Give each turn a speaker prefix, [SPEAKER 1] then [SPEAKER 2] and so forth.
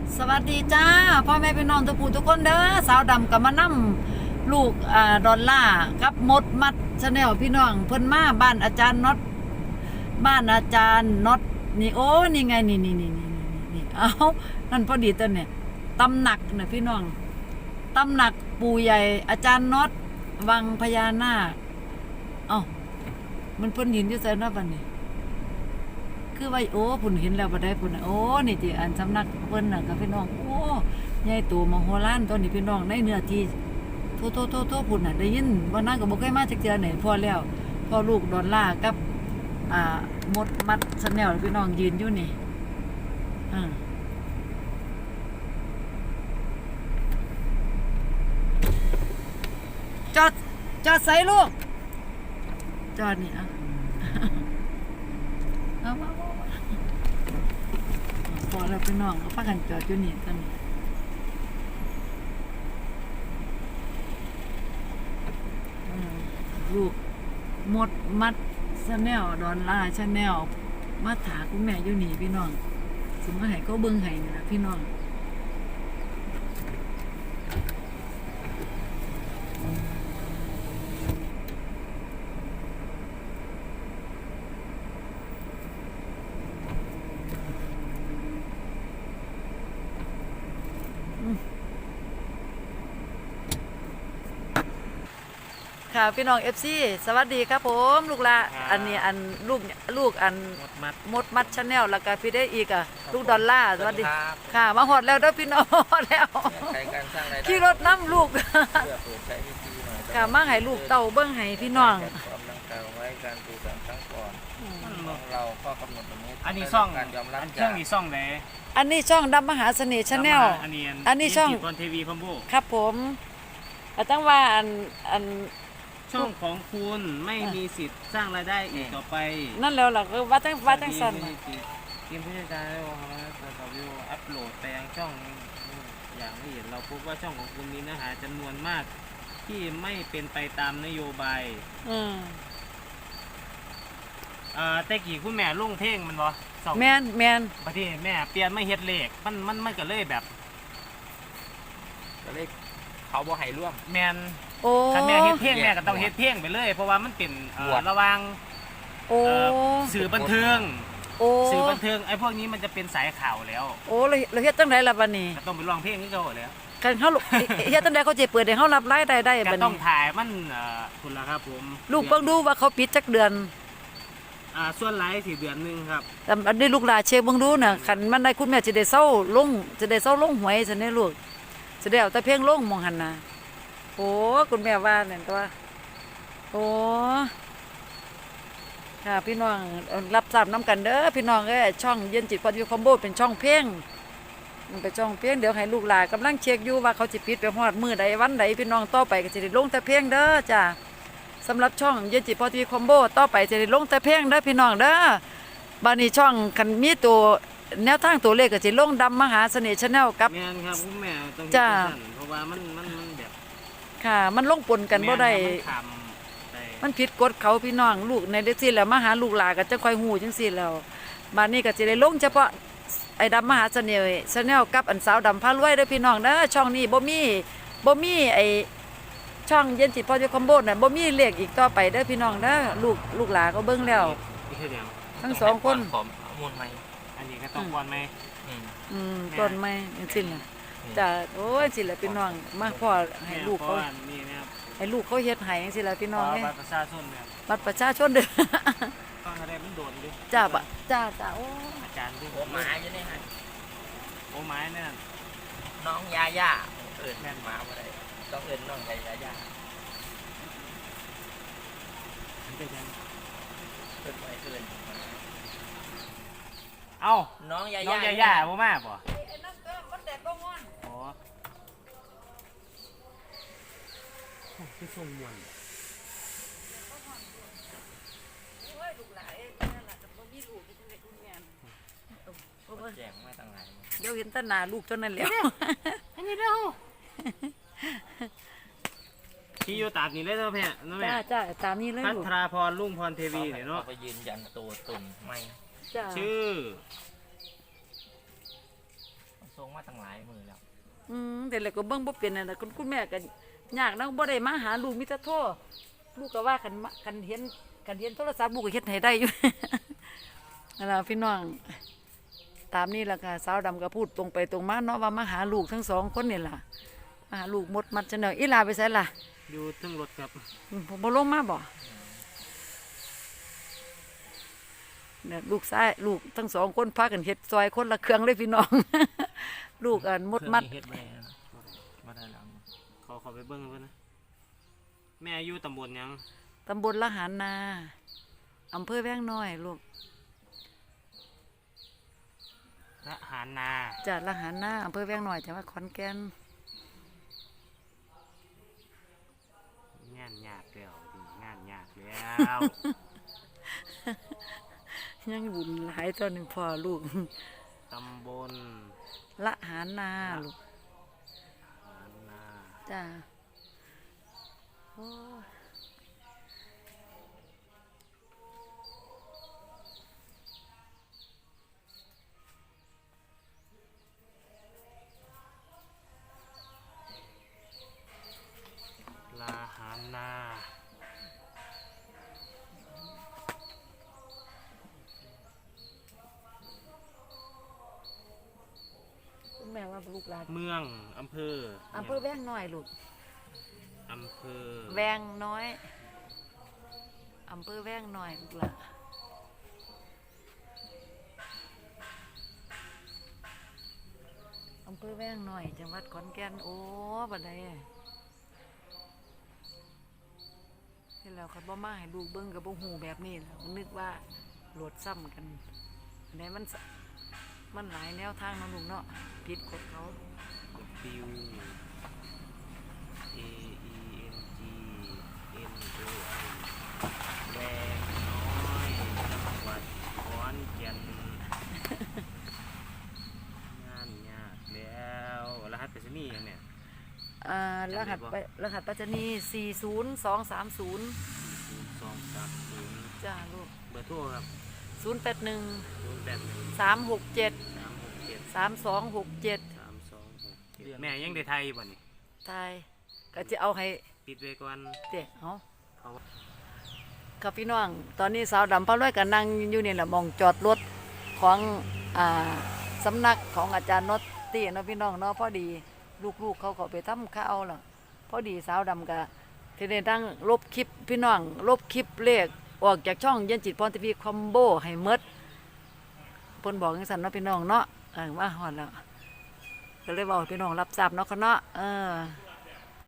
[SPEAKER 1] สวัสดีจ้าพ่อแม่พี่น้องทุกผู้ทุกคนเด้อสาวดำกับมานั่ลูกดอลล่ากับมดมัดชาแนลพี่น้องเพิ่นมาบ้านอาจารย์น็อตบ้านอาจารย์น็อตนี่โอ้นี่ไงนี่เอานั่นพอดีตัวเนี่ยตำหนักนะพี่น้องตำหนักปู่ใหญ่อาจารย์น็อตวังพญานาคเอ้ามันเพิ่นยืนอยู่ไสเนาะบัดนี้คือว่าโอ้พุ่นเห็นแล้วบ่ได้พุ่นโอ้นี่ติอันสำนักเพิ่นน่ะกับพี่น้องโอ้ใหญ่โตมโหฬารตัวนี้พี่น้องในเนื้อที่โทพุ่นน่ะได้ยินว่านั้นก็บ่เคยมาจักเทื่อไหนพอแล้วพอลูกดอลล่ากับมดมัดชาแนลพี่น้องยืนอยู่นี่จอดใส่ลูกจอดนี่เอาพอแล้วพี่น้องก็พากันจอดอยู่นี่ตอนนี้ลูกมดมัดชาแนลดอลล่าชาแนลมาถาคุณแม่อยู่นี่พี่น้องสิมาให้เขาเบิ่งให้นี่ล่ะพี่น้องค่ะพี่น้อง FC สวัสดีครับผมลูกละอันนี้อันลูกอันมดมัดชาแนลแล้วก็พี่ได้อีกลูกดอลล่าสวัสดีค่ะมาหอดแล้วเด้อพี่น้องแล้วขี่รถน้ำลูกค่ะมาให้ลูกเต่าเบิ้งให้พี่น้อง
[SPEAKER 2] เราก็กำหนดตรงนี้
[SPEAKER 3] อันนี้ช่อง
[SPEAKER 2] การยอมรับ
[SPEAKER 3] ช่องนี้ช่องไหน
[SPEAKER 1] อันนี้ช่องดำมหาเสน่ห์ชาแนลอันนี้ช่อง
[SPEAKER 3] พรทีวีพัมโบ
[SPEAKER 1] ครับผมตั้งว่าอัน
[SPEAKER 3] ช่องของคุณไม่มีสิทธิ์สร้างรายได้อีกต่อไป
[SPEAKER 1] นั่นแล้วล่ะคือว่าตั้งสั่น
[SPEAKER 3] ทีมผู้จัดการได้บอกว่าเราวิวอัปโหลดไปยังช่องอย่างละเอียดเราพบว่าช่องของคุณมีเนื้อหาจำนวนมากที่ไม่เป็นไปตามนโยบายแต่กี่คุณแม่ลงเพลงมันบ่
[SPEAKER 1] แมน
[SPEAKER 3] ประเทศแม่เปลี่ยนไม่เฮ็ดเลขมันก็เลยแบบ
[SPEAKER 2] ก็เลยเขาบ่ให้ร่วม
[SPEAKER 3] แมนถ้าแม่เฮ็ดเพลงแม่ก็ต้องเฮ็ดเพลงไปเลยเพราะว่ามันเป็นระหว่างสื่อบันเทิงสื่อบันเทิงไอ้พวกนี้มันจะเป็นสายข่าวแล้ว
[SPEAKER 1] โอ้เราเฮ็ดจังได๋ล่ะบัดนี้
[SPEAKER 3] ก็ต้องไปร้องเพลงนี่ก็แล้ว
[SPEAKER 1] คันเฮาเฮ็ดจังได๋เขาสิเปิดให้เฮารับรายได้
[SPEAKER 3] บัดนี้ก็ต้องถ่ายมันคุณล่ะครับผม
[SPEAKER 1] ลูกเบิ่งดูว่าเขาปิดจักเดือน
[SPEAKER 3] ส่วนหลาย4 เดือนนึงครับ
[SPEAKER 1] แต่อันนี้ลูกหลานเช็คเบิ่งดูน่ะคันมันได้คุณแม่สิได้เซาลงหวยซั่นเด้ลูกสิได้เอาแต่เพลงลงมองหั่นน่ะโอ้คุณแม่ว่านั่นตัวโอ้ค่ะพี่น้องรับทราบน้ำกันเด้อพี่น้องช่องเย็นจิตพอดีคอมโบเป็นช่องเพลงมันเป็นช่องเพลงเดี๋ยวให้ลูกหลานกำลังเช็คอยู่ว่าเขาจะปิดไปฮอดมื้อใดวันใดพี่น้องต่อไปก็จะได้ลงแต่เพลงเด้อจ้าสำหรับช่องเย็นจิตพอดีคอมโบต่อไปจะได้ลงแต่เพลงเด้อพี่น้องเด้อบัดนี้ช่องคันมีตัวแนวทางตัวเลขก็จะลงดำมหาเสน่ห์ชาแนลกับ
[SPEAKER 3] แม่นครับคุณแม่ต้อง
[SPEAKER 1] จ้า
[SPEAKER 3] เพราะว่ามันแบบ
[SPEAKER 1] ค่ะมันลงปนกันบ่ได้มันผิดกฎเขาพี่น้องลูกในเด็กสิแล้วมาหาลูกหลานก็จะค่อยฮู้จังซี่แล้วบัดนี้ก็สิได้ลงเฉพาะไอ้ดำมหาเสน่ห์ชาแนลกับอันสาวดำพารวยเด้อพี่น้องเด้อช่องนี้บ่มีไอ้ช่องเย็นจิตพอดีคอมโบน่ะบ่มีเลขอีกต่อไปเด้อพี่น้องเด้อลูกหลานก็เบิ่งแล้วทั้งสองคน
[SPEAKER 2] มูลไหม
[SPEAKER 3] อันนี้ก็ต้องก่อนไหม
[SPEAKER 1] ต้นไม้จังซี่น่ะจ้ะโอ้ยสิล่ะพี่น้องมาพ่อให้ลูกเขาให้ลูกเขาเฮ็ดให้จังซี่ล่ะพี่น้อง
[SPEAKER 3] บัตรประชาชนเนี่ย
[SPEAKER 1] บัตรประชาชนเด้อ
[SPEAKER 3] ต้องอะไรมันโดนดิ
[SPEAKER 1] จ้าโอ้
[SPEAKER 3] อาจารย์ดิ
[SPEAKER 2] โอ้หมาอยู่นี่ฮะ
[SPEAKER 3] โอ้ไม้เนี่ย
[SPEAKER 2] น้องยาย่าแม่นหมาบ่ได้ต้องน้องยาย่า
[SPEAKER 3] เอ้า
[SPEAKER 2] น้องยา
[SPEAKER 3] ย่าบ่มาบ่
[SPEAKER 1] ไอ้นั่นก็มันแดดบ่ฮ้อน
[SPEAKER 3] อ๋อคือส่งมวน
[SPEAKER 1] โอ้ยลูกหลานนั่นล่ะจะบ่มีลูกที่ได้คุณแม่
[SPEAKER 2] แจ้งมาตั้งหลาย
[SPEAKER 1] เดี๋ยวเห็นแต่หน้าลูกเท่านั้นแล้ว
[SPEAKER 3] อันนี้เด้อที่อยู่ตามนี้เลยเนาะแม่เนาะแม่
[SPEAKER 1] จ้าตามนี้เลย
[SPEAKER 3] พัทราพรรุ่งพรเทวีเนาะ
[SPEAKER 2] ไปยืนยันตัวตนไม่
[SPEAKER 3] ชื่อ
[SPEAKER 2] ส่งมาตั้งหลายมือแล้ว
[SPEAKER 1] แต่แล้วก็เบิ่งบ่เป็นนั่นน่ะคุณแม่ก็ยากนะบ่ได้มาหาลูกมีแต่โทรลูกก็ว่าคันเห็นโทรศัพท์ลูกก็เฮ็ดให้ได้อยู่ นั่นล่ะพี่น้องตามนี้ล่ะค่ะสาวดำก็พูดตรงไปตรงมาเนาะว่ามาหาลูกทั้งสองคนนี่ล่ะมาหาลูกมดมัดจังได๋อีหลาไปไสล่ะ
[SPEAKER 3] อยู่เทึงรถครับ
[SPEAKER 1] ผมบ่ลงมาบ่เนี่ยลูกชายลูกทั้งสองคนพากันเฮ็ดซอยคนละเครื่องเลยพี่น้อง ลูกอันมดมัด
[SPEAKER 2] เครื่องนี้เฮ็ดบ่ได้นะบ่ได้แล้ว
[SPEAKER 3] ขอไปเบิ่งเพิ่นนะแม่อยู่ตำบลหยัง
[SPEAKER 1] ตำบลละหารนาอำเภอแว้งน้อยลูก
[SPEAKER 3] ละหารนา
[SPEAKER 1] จากละหารนาอำเภอแว้งน้อยจังหวัดขอนแก่น
[SPEAKER 3] งานยากแล้วดิงานยากแล้ว
[SPEAKER 1] ยังบุญหลายตัวหนึ่งพ่อลูก
[SPEAKER 3] ตำบล
[SPEAKER 1] ละหารนาลูก
[SPEAKER 3] หารนา
[SPEAKER 1] จ้าโอ้ย
[SPEAKER 3] ลาหารนา
[SPEAKER 1] คุณแม่ว่าลูกหลาน
[SPEAKER 3] เมืองอำเภอ
[SPEAKER 1] อำเภอแว้งน้อยลูก
[SPEAKER 3] อำเภอ
[SPEAKER 1] แวงน้อยอำเภอแว้งน้อยลูกหละอำเภอแว้งน้อยจังหวัดขอนแก่นโอ้บัดใดที่แล้วเขาบ่มาให้ลูกเบิ่งกับบ่ฮู้แบบนี้ล่ะนึกว่าโหลดซ้ำกันอันไหนมันหลายแนวทางเนาะลูกเนาะผิดกฎเขา
[SPEAKER 3] บิว AENGNOI แวงน้อยจังหวัดขอนแก่นงานยากแล้วรหัสไปรษณีย์ยังเนี่ย
[SPEAKER 1] รหัสไปรษณีย์40230
[SPEAKER 3] 0230
[SPEAKER 1] จ้าลูก
[SPEAKER 3] เบอร์โทรครับ
[SPEAKER 1] 081
[SPEAKER 3] 081
[SPEAKER 1] 367
[SPEAKER 3] 367
[SPEAKER 1] 3267
[SPEAKER 3] 3267แม่ยังได้ไทยบ่นี่
[SPEAKER 1] ตายก็จะเอาให้
[SPEAKER 3] ปิดไว้ก่อน
[SPEAKER 1] เด็กเอา
[SPEAKER 3] เพราะว่า
[SPEAKER 1] ครับพี่น้อง ตอนนี้สาวดำพระร้อยก็นั่งอยู่นี่แหละมองจอดรถของสำนักของอาจารย์นอตตี้เนาะพี่น้องเนาะพอดีลูกๆเขาก็ไปทำข้าวล่ะพอดีสาวดำก็ที่ได้ตั้งลบคลิปพี่น้องลบคลิปเลขออกจากช่องเย็นจิตพรทีวีคอมโบให้หมดเพิ่นบอกจังซั่นเนาะพี่น้องเนาะว่าฮอดแล้วก็เลยบอกให้พี่น้องรับทราบเนาะเขาเนาะ